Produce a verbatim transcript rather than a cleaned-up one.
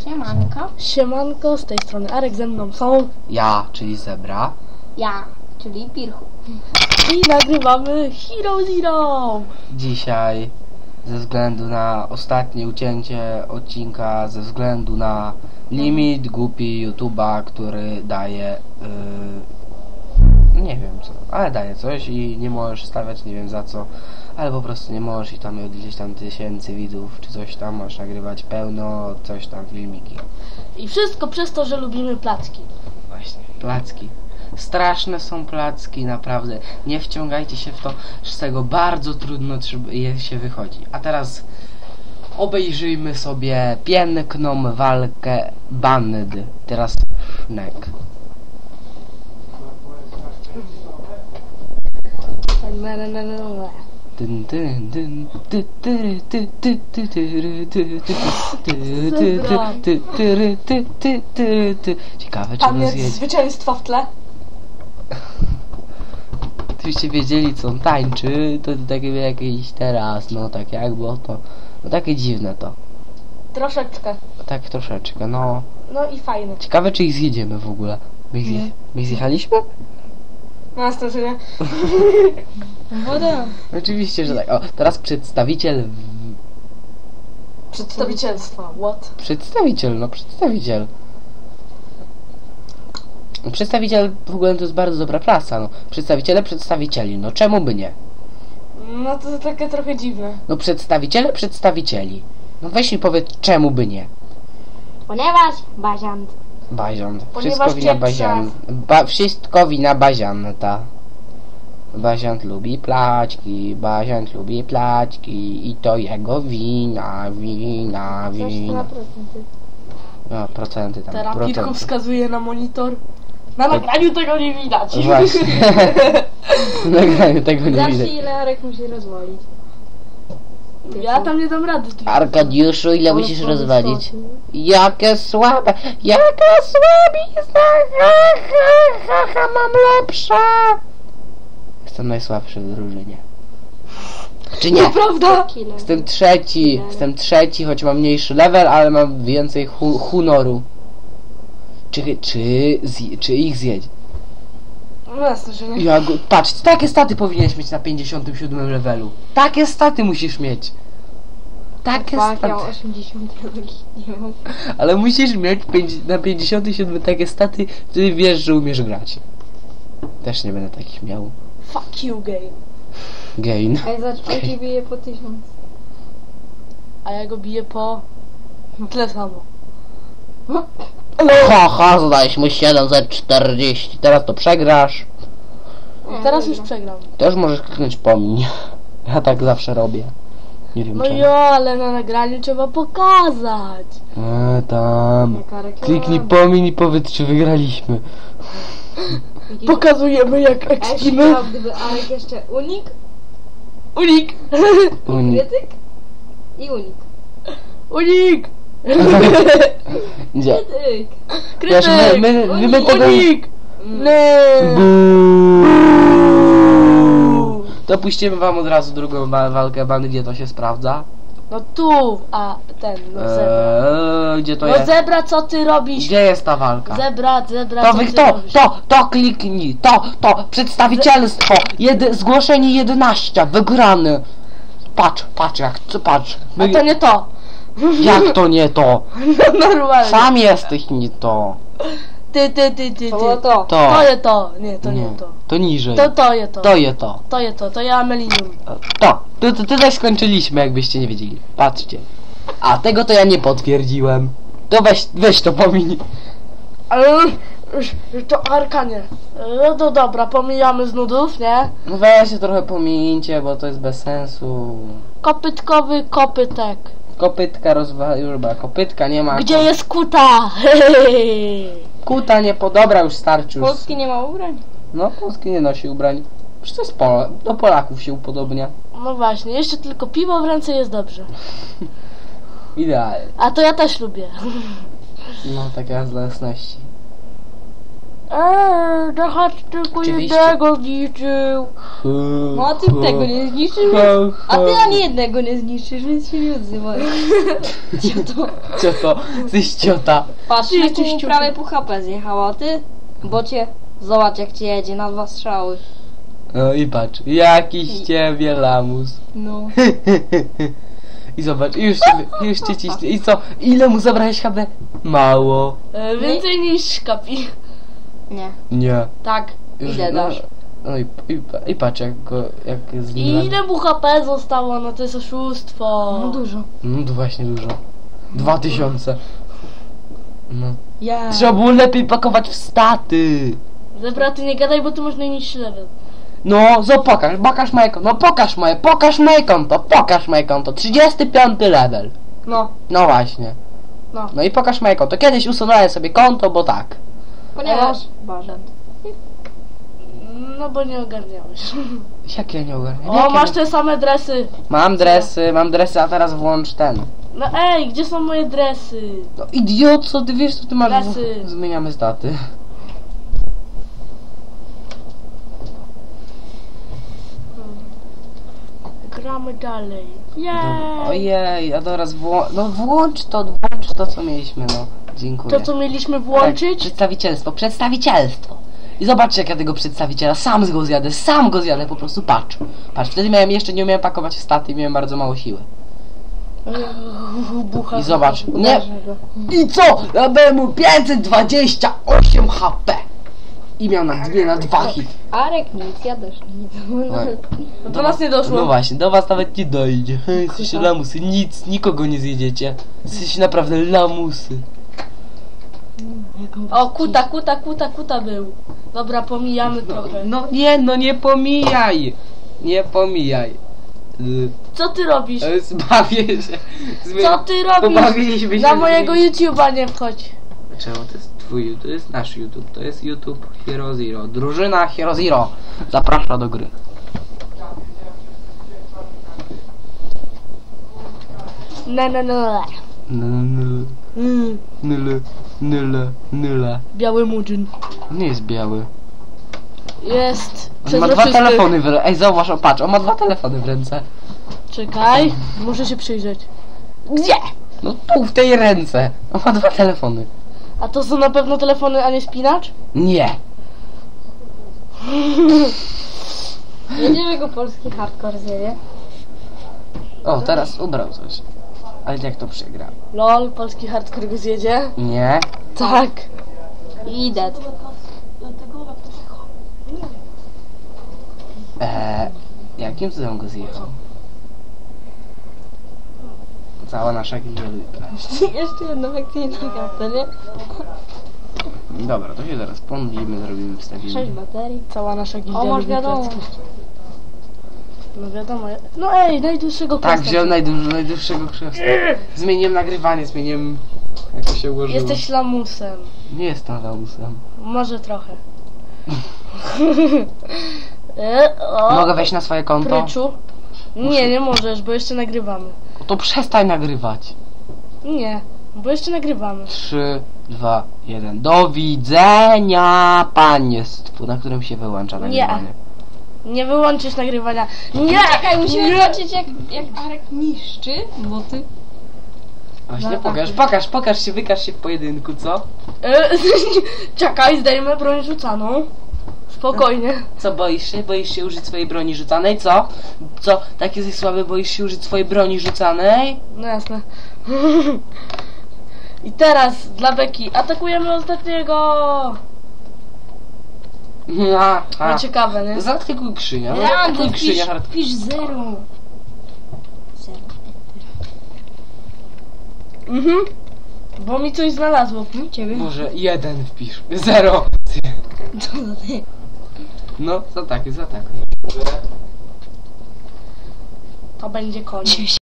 Siemanko. Siemanko, z tej strony Arek, ze mną są Ja, czyli Zebra. Ja, czyli Pirchu. i nagrywamy Hero Zero. Dzisiaj ze względu na ostatnie ucięcie odcinka, ze względu na limit głupi YouTube'a, który daje yy, nie wiem co, ale daje coś i nie możesz stawiać nie wiem za co, ale po prostu nie możesz i tam od gdzieś tam tysięcy widzów czy coś tam, możesz nagrywać pełno coś tam filmiki. I wszystko przez to, że lubimy placki. Właśnie, placki. Straszne są placki, naprawdę. Nie wciągajcie się w to, że z tego bardzo trudno je się wychodzi. A teraz obejrzyjmy sobie piękną walkę bandy. Teraz Sznek. Na, na, na, na, na. Tyn, tyn, tyn, ty, ty, ty, ty, ty, ty, ty, ty, ty, ty, ty, ty, ty, ty, ty, ty. Ciekawe, czy Tam go jest zjedzie. zwycięstwo w tle. Gdybyście wiedzieli, co on tańczy, to takie jakieś teraz, no tak jak było to, no takie dziwne to, Troszeczkę. tak troszeczkę, no. No i fajne. Ciekawe, czy ich zjedziemy w ogóle. My ich, zje, my ich zjechaliśmy? Na straszenie. Woda. Oczywiście, że tak. O, teraz przedstawiciel, w... Przedstawicielstwa. What? przedstawiciel, no przedstawiciel. Przedstawiciel w ogóle to jest bardzo dobra prasa, no. Przedstawiciele przedstawicieli, no czemu by nie? No to takie trochę dziwne. No przedstawiciele przedstawicieli. No weź mi powiedz, czemu by nie? Ponieważ baziant. Baziant. Ponieważ Wszystko wina cię Bazian. Ba wszystko wina Bazianta. Baziant lubi plaćki, Baziant lubi plaćki i to jego wina, wina, wina. No, procenty tam, Teraz procenty. Pirku wskazuje na monitor. Na nagraniu tego nie widać. Właśnie. W nagraniu tego nie Zawsze widać. ile Arek musi rozwalić. Ja tam nie dam rady. Arkadiuszu, ile Ale musisz to rozwalić? wysoko. Jakie słabe, jaka słabizna, ha, ha, ha, ha, mam lepsze. Jestem najsłabszy w drużynie. Czy nie? To prawda? Kilo. Jestem trzeci, jestem trzeci, choć mam mniejszy level, ale mam więcej hu honoru. Czy, czy, zje, czy ich zjedź? No na straszenie. Ja go, patrz, takie staty powinieneś mieć na pięćdziesiątym siódmym levelu. Takie staty musisz mieć. Takie Tak, ja mam staty. osiemdziesiąt, nie mam. Ale musisz mieć pięć, na pięćdziesiątym siódmym takie staty, wtedy wiesz, że umiesz grać. Też nie będę takich miał. Fuck you game. Gain. A ja zacząłem bije po tysiąc. A ja go biję po... tyle samo. Haha, zadałeś mu siedem za czterdzieści. Teraz to przegrasz. Teraz już przegram. Też możesz kliknąć pomiń. Ja tak zawsze robię. Nie wiem No czemu. jo, ale na nagraniu trzeba pokazać. E, tam. Jaka reklama. Kliknij pomiń i powiedz, czy wygraliśmy. Jakiś- Pokazujemy jak A jeszcze ekspimy. chciałam, gdyby Arek jeszcze unik, Unik! Unik. krytyk i unik. Unik! Gdzie? Krytyk! Wiesz, my, Krytyk! my, my, my tego... Unik! Nie! Buuu. To puścimy wam od razu drugą wa walkę bandy, gdzie to się sprawdza. No tu, a ten, no zebra. Eee, gdzie to No jest? zebra, co ty robisz? Gdzie jest ta walka? Zebra, zebra, To co wy, ty to, robisz? to, to kliknij, to, to, przedstawicielstwo, Jedy, zgłoszenie jedenaście, wygrany. Patrz, patrz jak, co, patrz. A to nie to. Jak to nie to? No normalnie. Sam jesteś nie to. Ty, ty, ty, ty, ty. To było to. To. To je to. Nie, to nie, nie, to. to niżej. To, to je to. To je to. To je to, to ja Amelinium. To. Tu, tu, tutaj skończyliśmy, jakbyście nie wiedzieli. Patrzcie. A tego to ja nie potwierdziłem. To weź, weź to pomiń. Ale już, już to Arkanie. No to dobra, pomijamy z nudów, nie? No weźcie trochę pomińcie, bo to jest bez sensu. Kopytkowy kopytek. Kopytka rozwalił, już chyba kopytka nie ma. Gdzie jest kuta? Kuta nie podobra, już starczy już. Polski nie ma ubrań. No, Polski nie nosi ubrań. Przecież to jest Pol do Polaków się upodobnia. No właśnie, jeszcze tylko piwo w ręce jest dobrze. Idealnie. A to ja też lubię. No, taka z jasności. Eee, Dachacz tylko Oczywiście. jednego zniszczył. No a ty tego nie zniszczysz, więc... A ty ani jednego nie zniszczysz, więc się nie odzywaj. Cioto. Cioto, jesteś ciota. Patrz, Ty na jesteś tu ciotą. prawie pół H P zjechała, a ty? Bo cię... Zobacz jak cię jedzie na dwa strzały. No i patrz, jakiś ciebie lamus. No. I zobacz, już cię, już cię ciśnie. I co? Ile mu zabrałeś H P? Mało. E, więcej niż Kapi. Nie. Nie. Tak. Już, Ile no, dasz? No i, i, i patrz jak go, jak z I nim... ile mu H P zostało? No to jest oszustwo. No dużo. No to właśnie dużo. Dwa tysiące. No. Ja. Trzeba było lepiej pakować w staty. Zebra, ty nie gadaj, bo ty masz najniższy level. No, zo pokaż, pokaż moje konto, no pokaż moje, pokaż moje konto, pokaż moje konto, trzydziesty piąty level. No, No właśnie. no. No i pokaż moje konto. Kiedyś usunąłem sobie konto, bo tak. Ponieważ... Barzant. No bo nie ogarniałeś. Jak ja nie ogarniam? O, Jak ja masz nie- te same dresy. Mam dresy, mam dresy, a teraz włącz ten. No ej, gdzie są moje dresy? No idiot, co ty wiesz, co ty masz? Dresy. Zmieniamy staty. Gramy dalej. Jej. Ojej, a teraz wło... No włącz to, włącz to, co mieliśmy, no. Dziękuję. To co mieliśmy Tak, włączyć? przedstawicielstwo, przedstawicielstwo. I zobaczcie jak ja tego przedstawiciela sam go zjadę, sam go zjadę, po prostu patrz. Patrz, wtedy miałem jeszcze, nie umiałem pakować w staty i miałem bardzo mało siły. Bucha. I zobacz, nie... Uderzę go. I co? Ja dałem mu pięćset dwadzieścia osiem H P. I miał na dwie, na dwa hit. Arek nic, ja też nic. No do nas nie doszło. No właśnie, do was nawet nie dojdzie. Jesteście lamusy, nic, nikogo nie zjedziecie. Jesteście naprawdę lamusy. O, kuta, kuta, kuta, kuta był. Dobra, pomijamy trochę. No nie, no nie pomijaj. Nie pomijaj. Y, Co ty robisz? e, Zbawię się. Zmy- Co ty robisz? Pobawiliśmy się Na z mojego nim. YouTube'a nie wchodź. Czemu to jest twój, to jest nasz YouTube, to jest YouTube Hero Zero. Drużyna Hero Zero zaprasza do gry. No, no, no. Nyle, Mm, nyle, nyle, nyle. biały murzyn. Nie jest biały. Jest On ma dwa przezroczysty. telefony w ręce. Ej, zauważ, o patrz, on ma dwa telefony w ręce. Czekaj, muszę się przyjrzeć. Gdzie? No tu, w tej ręce. On ma dwa telefony. A to są na pewno telefony, a nie spinacz? Nie. Jedziemy go polski hardcore zjedzie. O, teraz ubrał coś. Ale jak to przegra? Lol, polski hardcore go zjedzie. Nie. Tak. Idę. Eee, jakim cudem go zjechał? Cała nasza gildia. Jeszcze jedno akcyjne kartę, nie? Dobra, to się zaraz pomodlimy, zrobimy Sześć wstawimy. baterii. Cała nasza gildia O, masz lubi wiadomo. placki. No wiadomo. No ej, najdłuższego Tak, questa. wziąłem najdłuż, najdłuższego krzesła. Zmieniłem nagrywanie, zmieniłem jak to się ułożyło. Jesteś lamusem. Nie jestem lamusem. Może trochę. e, o, Mogę wejść na swoje konto? Pryczu. Nie, nie możesz, bo jeszcze nagrywamy. To przestań nagrywać. Nie, bo jeszcze nagrywamy. trzy, dwa, jeden. Do widzenia państwu, na którym się wyłącza nagrywanie. Nie wyłączysz nagrywania. Nie! Czekaj, musimy nie. zobaczyć jak, jak Arek niszczy boty. Właśnie No, pokaż, tak. pokaż, pokaż się, wykaż się w pojedynku, co? E, Czekaj, zdejmę broń rzucaną. Spokojnie. Co, boisz się? Boisz się użyć swojej broni rzucanej, co? Co, tak jesteś słaby, boisz się użyć swojej broni rzucanej? No jasne. I teraz dla Beki atakujemy ostatniego. A, a. No ciekawe, nie? Zaatakuj krzynia, no Rando, zaatakuj pisz, krzynia. hard- pisz zero. Zero. Mhm. Bo mi coś znalazło. No ciebie. Może jeden wpisz. Zero. Co za ty? No, zaatakuj, zaatakuj. To będzie koniec.